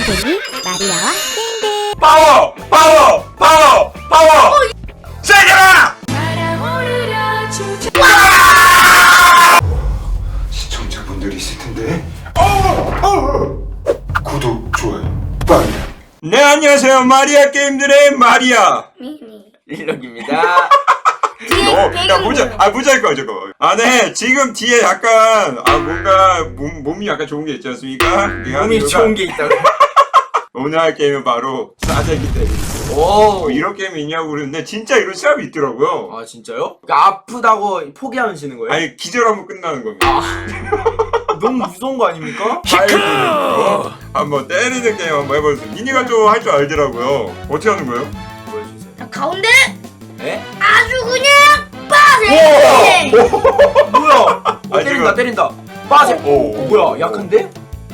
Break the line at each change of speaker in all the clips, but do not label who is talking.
땡땡이 마리아와 땡땡.
파워! 파워! 파워! 파워! 세게라! 시청자분들이 있을 텐데. 구독, 좋아요, 빨리. 네, 안녕하세요. 마리아 게임들의 마리아
일록입니다.
야, 모자일 거야, 저거. 네, 지금 뒤에 약간, 뭔가, 몸이 약간 좋은 게 있지 않습니까?
몸이 좋은 게 있다고.
오늘 할 게임은 바로, 싸대기 때리기.
오,
이런 게임이 있냐고 그러는데, 진짜 이런 시합이 있더라고요.
아, 진짜요? 그러니까 아프다고 포기하면 지는 거예요?
아니, 기절하면 끝나는 겁니다.
너무 무서운 거 아닙니까?
한번 때리는 게임 한번 해보세요. 미니가 좀 할 줄 알더라고요. 어떻게 하는 거예요?
보여주세요.
자, 가운데
네?
아주 그냥 빠세.
뭐야? 때린다, 때린다. 빠져.
오.
뭐야? 약한데?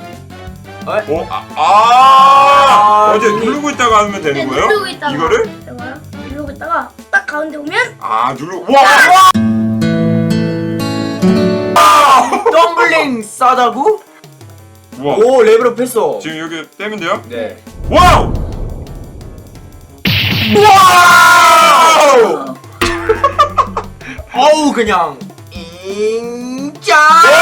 어제 누르고 있다가 하면 되는 거예요?
누르고 있다가
이거를?
이거요? 누르고 있다가 딱 가운데 오면
와!
덤블링 싸다구?
우와.
오, 레벨업 했어.
지금 여기 떼면 돼요?
네.
와우! 와우!
어우, 그냥 인자.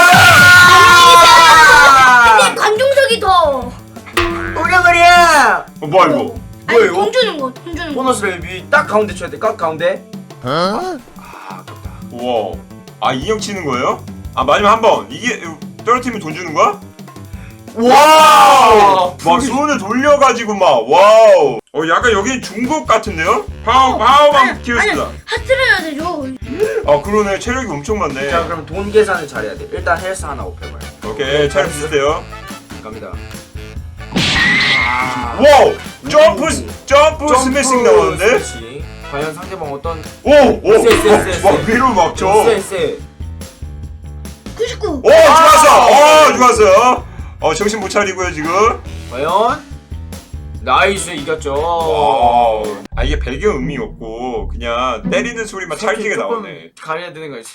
근데 관중석이 더
오려버려.
뭐야 이거?
아니,
뭐야, 이거?
돈 주는 거, 돈 주는 거.
보너스를 딱 가운데 쳐야 돼. 딱 가운데. 아깝다.
우와. 인형 치는 거예요? 마지막 한 번. 이게 떨어뜨리면 돈 주는 거야?
와!
막 손을 돌려가지고 막 와우. 약간 여기 중국 같은데요? 파워만 키웠다.
하트를 해야 되죠.
그러네. 체력이 엄청 많네.
자, 그럼 돈 계산을 잘해야 돼. 일단 헬스 하나 업해봐요.
오케이, 체력 비슷해요.
갑니다.
와우! 점프 스매싱 나오는데?
스매싱. 과연 상대방 어떤
오!
쎄.
막 위로 막 쳐.
쎄.
99.
오! 좋았어! 좋았어요. 정신 못 차리고요, 지금.
과연 나이스 이겼죠.
와우. 이게 배경음이 없고 그냥 때리는 소리만 찰지게 나오네.
가려야 되는 거지.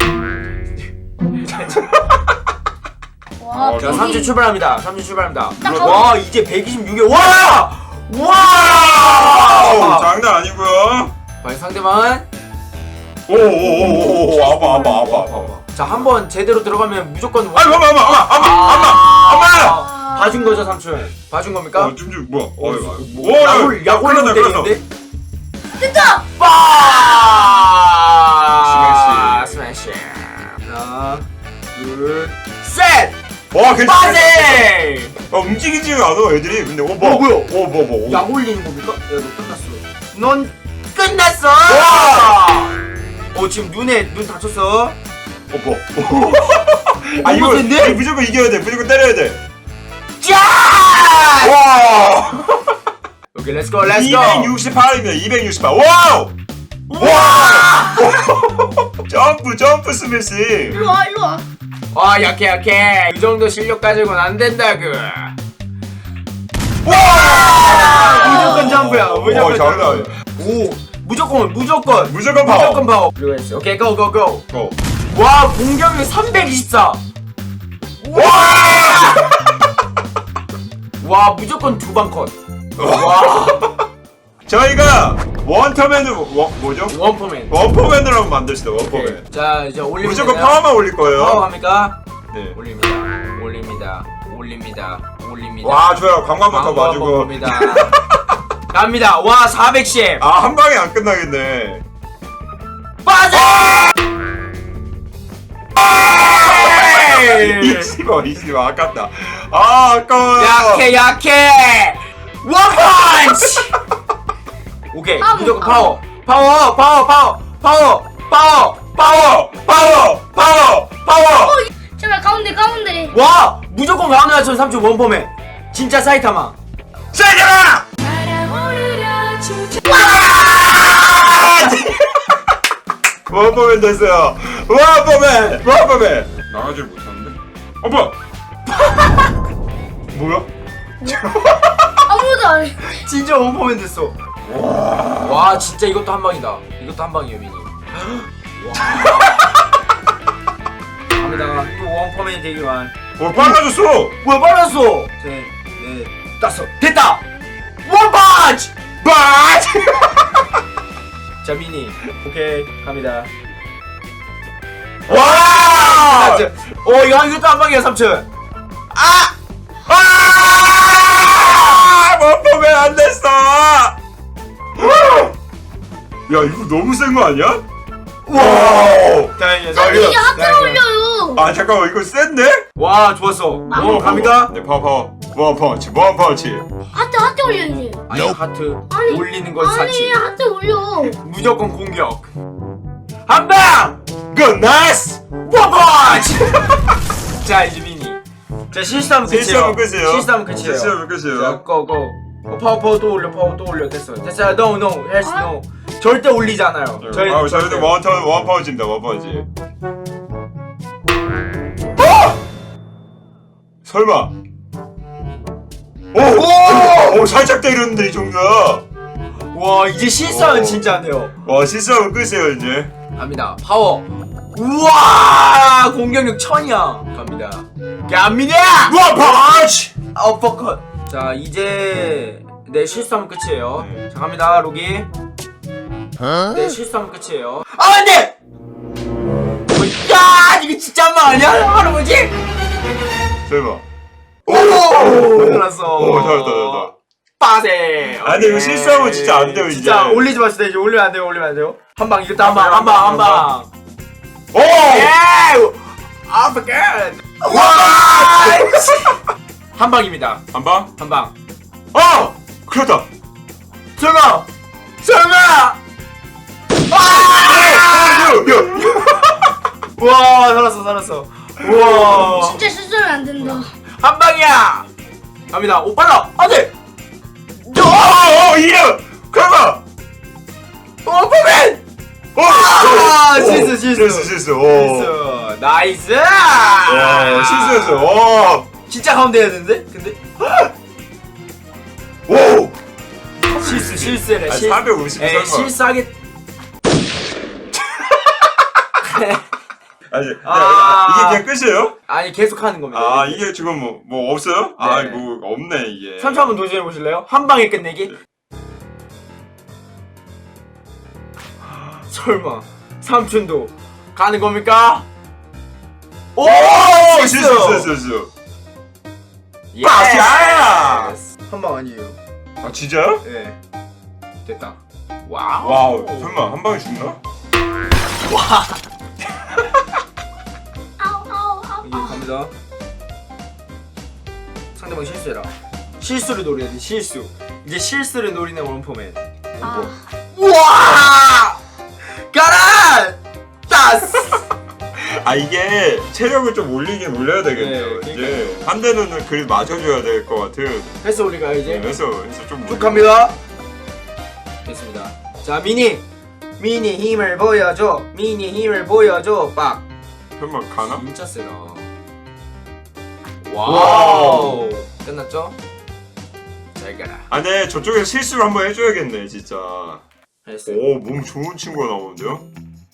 와,
자, 3주 출발합니다. 3주 출발합니다.
딱
와, 이제 126개. 와!
장난 아니고요.
과연 상대방은
오오오오오 아파.
자, 한번 제대로 들어가면 무조건
아마.
봐준 거죠, 삼촌? 봐준 겁니까?
좀 뭐야?
야골로 때리는데?
됐다.
스매시. 하나, 둘, 셋.
와, 괜찮아.
빠세.
움직이지가 않아, 애들이. 근데 뭐야? 뭐.
약 올리는 겁니까? 야, 너 끝났어. 넌 끝났어. 지금 눈 다쳤어.
뭐.
너무 센데?
이거 무조건 이겨야 돼. 무조건 때려야 돼.
짠!
와!
오케이, 렛츠고.
268입니다. 268. 와우! 와! 점프 스매싱.
일로 와.
약해. 이 정도 실력 가지고는 안 된다구.
와!
무조건 점프야. 무조건
장난 아니야. 무조건 파워.
그리고 했어. 오케이, 고.
고.
와, 공격력 324. 와, 무조건 두 방 컷. 와.
저희가 원터맨으로 뭐죠?
원포맨.
원포맨으로 한번 만듭시다. 원포맨.
자, 이제 올리면
무조건
되나요?
파워만 올릴 거예요.
파워 갑니까?
네.
올립니다.
와, 좋아요. 관광부터 봐주고.
갑니다. 와, 410.
한 방에 안 끝나겠네.
빠져!
20원 아깝다. 아까워요.
약해. 원펀치. 오케이, 무조건 파워.
제발 가운데.
와, 무조건 가운데 맞춰 3초 원포맨. 진짜 사이타마.
세게라! 원포맨 됐어요. 원포맨. 나가질 못하는데? 뭐야? 뭐야?
아무도 안 해.
진짜 원포맨 됐어. 와, 진짜 이것도 한 방이다. 이것도 한 방이에요, 미니. 갑니다. 또 원포맨이 되기만.
빨라졌어.
뭐야, 빨랐어. 셋, 넷, 넷, 다섯. 됐다. 원펀치.
빠지!
자 미니. 오케이 갑니다.
와!
이것도 한 방이야 삼촌.
원포맨 안 됐어! 야, 이거 너무 센 거 아니야? 와!
다행이야.
이게 하트를 올려요.
아, 잠깐만, 이거 센데?
와 좋았어. 갑니다.
네, 파워. 원펀치.
하트 올려 이제.
아니 하트
아니,
올리는 건
아니
사치.
하트 올려.
무조건 공격. 한 방.
굿, 나이스!
원펀치. 자 이제 미니. 자 실수하면 끝이에요.
실수하면 끝이에요.
실수하면 끝이에요.
실수하면
자
끝이에요.
고고. 파워 또 올려. 됐어. No 헬스 no. 절대 올리지 않아요.
저희도 원펀치입니다, 원펀치. 설마. 오, 살짝 때렸는데 이 정도야.
와 이제 실수하면
오.
진짜 안 돼요.
와, 실수하면 끝이에요 이제.
갑니다. 파워. 우와 공격력 1000이야. 갑니다. 갑니다.
원펀치.
어퍼컷. 자 이제 내 실수하면 끝이에요.
네.
자 갑니다 로기. 내 실수하면 끝이에요. 아 안돼. 야 이거 진짜 한방 아니야 할아버지?
설마.
오 잘났어.
오, 잘했다.
빠세.
아니, 이거 실수하면 진짜 안 돼요, 이제.
진짜 올리지 마시다. 이제 올리면 안 돼요. 한 방 이겼다. 한 방.
오!
예! 아프갓. 와! 한 방입니다.
한 방?
한 방.
그렇다.
설마. 와 살았어. 우와.
진짜 실수하면 안 된다.
한 방이야. 갑니다. 오 빨라. 안돼.
이름! 그만!
오퍼맨. 실수.
오.
나이스.
와, 실수했어.
진짜 가운데 해야 되는데? 근데
오!
실수래.
450 설마.
실수하게.
아니,
아.
이게 그냥 끝이에요?
아니 계속 하는 겁니다.
이게 지금 뭐 없어요?
네.
뭐 없네, 이게.
3초 한번 도전해 보실래요? 한 방에 끝내기. 설마 삼촌도 가는 겁니까? 오!
실수.
예스!
빠샤!
한 방 아니에요.
진짜요?
예. 됐다. 와우.
와우, 설마 한 방에 죽나?
이제 갑니다. 상대방 실수해라. 실수를 노려야 돼. 실수. 이제 실수를 노리는 원포맨. 우와! 가라! 따스!
이게 체력을 좀 올려야 되겠네요.
네,
이제 한 대는 그래도 맞춰줘야 될 것 같은.
해서 우리가 이제
해서 좀
쭉 갑니다. 됐습니다. 자 미니 힘을 보여줘. 빡.
설마 가나?
진짜 세다. 와우. 끝났죠? 잘 가라.
네, 저쪽에서 실수를 한번 해줘야겠네, 진짜.
했어.
오, 몸 좋은 친구가 나오는데요?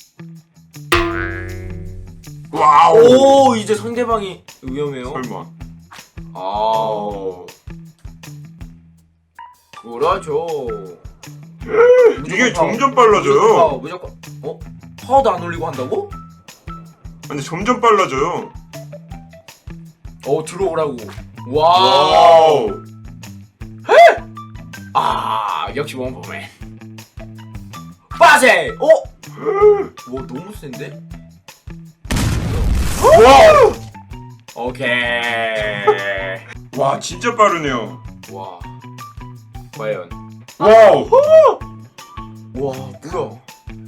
와우!
오 이제 상대방이 위험해요.
설마.
아 그렇죠.
이게 점점 빨라져요.
무조건 파워도 안 올리고 한다고?
근데 점점 빨라져요.
들어오라고. 와우. 역시 원포맨. 빠세. 와 너무 센데?
와우!
오케이.
와, 진짜 빠르네요.
와. 과연.
와우!
와 뭐야?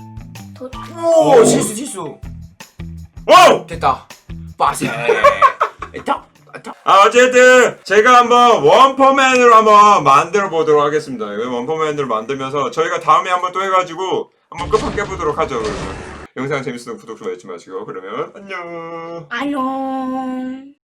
더
오 실수.
와우!
됐다. 빠세. 됐다.
어쨌든 제가 한번 원퍼맨으로 한번 만들어 보도록 하겠습니다. 원퍼맨으로 만들면서 저희가 다음에 한번 또 해가지고 한번 끝판 깨보도록 하죠. 그러면 영상 재밌으면 구독 좀 해주지 마시고 그러면 안녕.
안녕.